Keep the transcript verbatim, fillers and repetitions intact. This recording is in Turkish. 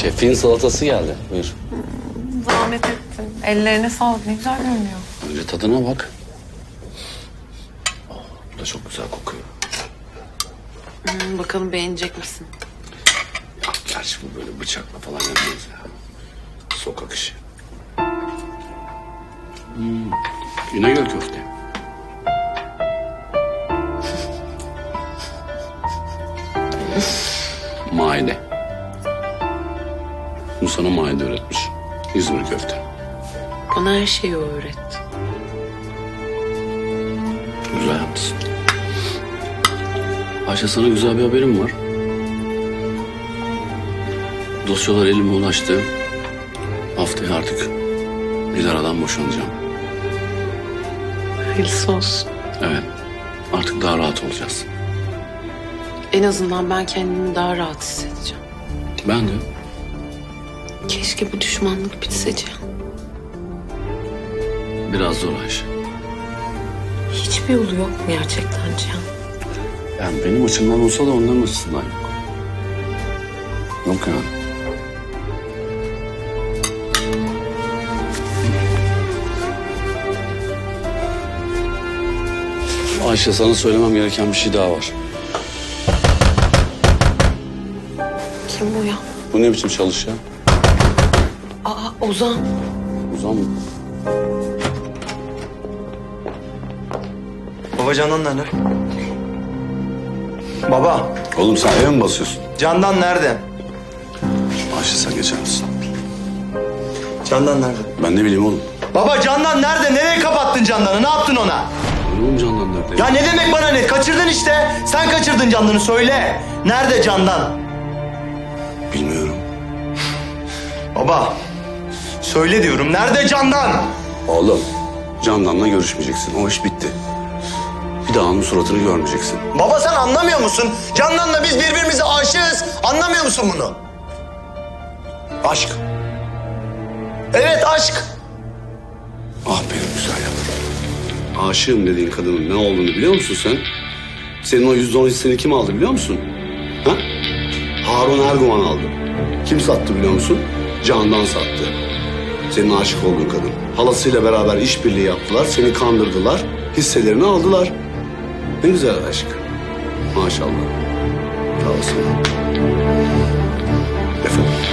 Şefin salatası geldi. Buyur. Zahmet ettin. Ellerine sağlık. Ne güzel görünüyor. Önce tadına bak. Oh, bu da çok güzel kokuyor. Hmm, bakalım beğenecek misin? Ya, gerçi bu böyle bıçakla falan yapmaz ya. Sokak işi. Hmm. İnegöl köfte. Maide. Bu sana maide öğretmiş. İzmir köfte. Bana her şeyi o öğretti. Güzel yapmışsın. Ayşe, sana güzel bir haberim var. Dosyalar elime ulaştı. Haftaya artık Dilara'dan boşanacağım. Hayırlısı olsun. Evet. Artık daha rahat olacağız. En azından ben kendimi daha rahat hissedeceğim. Ben de. Keşke bu düşmanlık bitse Cihan. Biraz zor Ayşe. Hiçbir yolu yok mu gerçekten Cihan? Yani benim açımdan olsa da onların açısından yok. Yok yani. Ayşe, sana söylemem gereken bir şey daha var. Kim bu ya? Bu ne biçim çalış ya? Aa Ozan. Ozan mı? Baba Candan nerede? Baba, Oğlum sen eve mi basıyorsun? Candan nerede? Ayşe, sen geçer misin? Candan nerede? Ben ne bileyim oğlum. Baba Candan nerede? Nereye kapattın Candan'ı? Ne yaptın ona? Oğlum Candan nerede? Ya ne demek bana ne? Kaçırdın işte. Sen kaçırdın Candan'ı, söyle. Nerede Candan? Bilmiyorum. Baba, söyle diyorum. Nerede Candan? Oğlum, Candan'la görüşmeyeceksin. O iş bitti. Bir daha onun suratını görmeyeceksin. Baba sen anlamıyor musun? Candan'la biz birbirimize aşığız. Anlamıyor musun bunu? Aşk. Evet aşk. Ah benim güzel yavrum. Aşığım dediğin kadının ne olduğunu biliyor musun sen? Senin o yüzde on hisseni kim aldı biliyor musun? Ha? Harun Erguvan aldı. Kim sattı biliyor musun? Candan sattı. Senin aşık olduğun kadın. Halasıyla beraber işbirliği yaptılar, seni kandırdılar, hisselerini aldılar. Ne güzel aşk. Maşallah. Sağ olsun. Efendim?